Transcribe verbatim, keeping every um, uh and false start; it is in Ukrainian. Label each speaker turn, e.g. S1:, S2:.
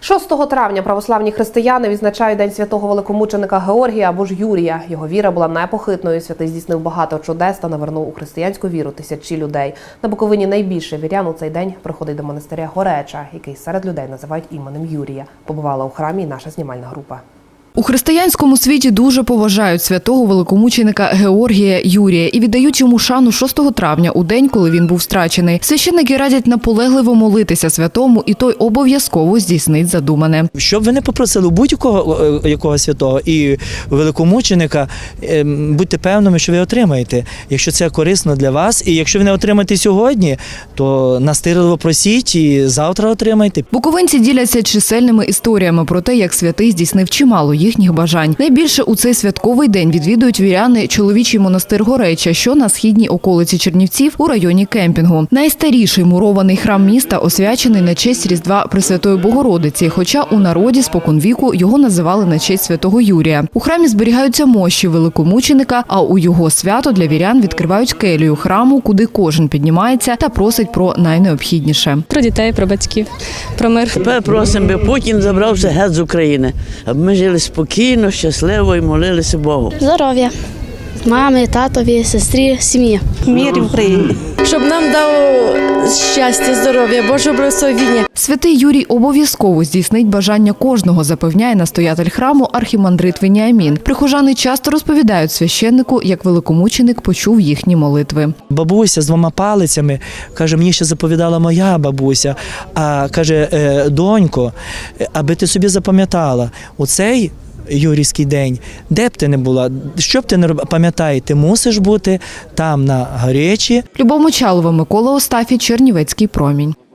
S1: шостого травня православні християни відзначають День святого великомученика Георгія або ж Юрія. Його віра була непохитною, святий здійснив багато чудес та навернув у християнську віру тисячі людей. На Буковині найбільше вірян у цей день приходить до монастиря Гореча, який серед людей називають іменем Юрія. Побувала у храмі і наша знімальна група.
S2: У християнському світі дуже поважають святого великомученика Георгія Юрія і віддають йому шану шостого травня, у день, коли він був страчений. Священники радять наполегливо молитися святому, і той обов'язково здійснить задумане.
S3: Щоб ви не попросили будь-якого якого святого і великомученика, будьте певними, що ви отримаєте, якщо це корисно для вас. І якщо ви не отримаєте сьогодні, то настирливо просіть і завтра отримайте.
S2: Буковинці діляться чисельними історіями про те, як святий здійснив чимало їхніх бажань. Найбільше у цей святковий день відвідують віряни чоловічий монастир Гореча, що на східній околиці Чернівців у районі кемпінгу. Найстаріший мурований храм міста освячений на честь Різдва Пресвятої Богородиці, хоча у народі споконвіку його називали на честь святого Юрія. У храмі зберігаються мощі великомученика, а у його свято для вірян відкривають келію храму, куди кожен піднімається та просить про найнеобхідніше.
S4: Про дітей, про батьків, про мир.
S5: Тепер просимо, би Путін забрався геть з України, аби ми жили спокійно, щасливо і молилися Богу.
S6: Здоров'я. Мамі, татові, сестрі, сім'ї.
S7: Мир в Україні.
S4: Щоб нам дав щастя, здоров'я, Боже благословіння.
S2: Святий Юрій обов'язково здійснить бажання кожного, запевняє настоятель храму архімандрит Веніамін. Прихожани часто розповідають священнику, як великомученик почув їхні молитви.
S3: Бабуся з двома палицями, каже, мені ще заповідала моя бабуся, а каже, донько, аби ти собі запам'ятала, оцей Юрійський день, де б ти не була, що б ти не робила, пам'ятай, ти мусиш бути там на Горечі.
S2: Любов Мочалова, Микола Остафій, Чернівецький промінь.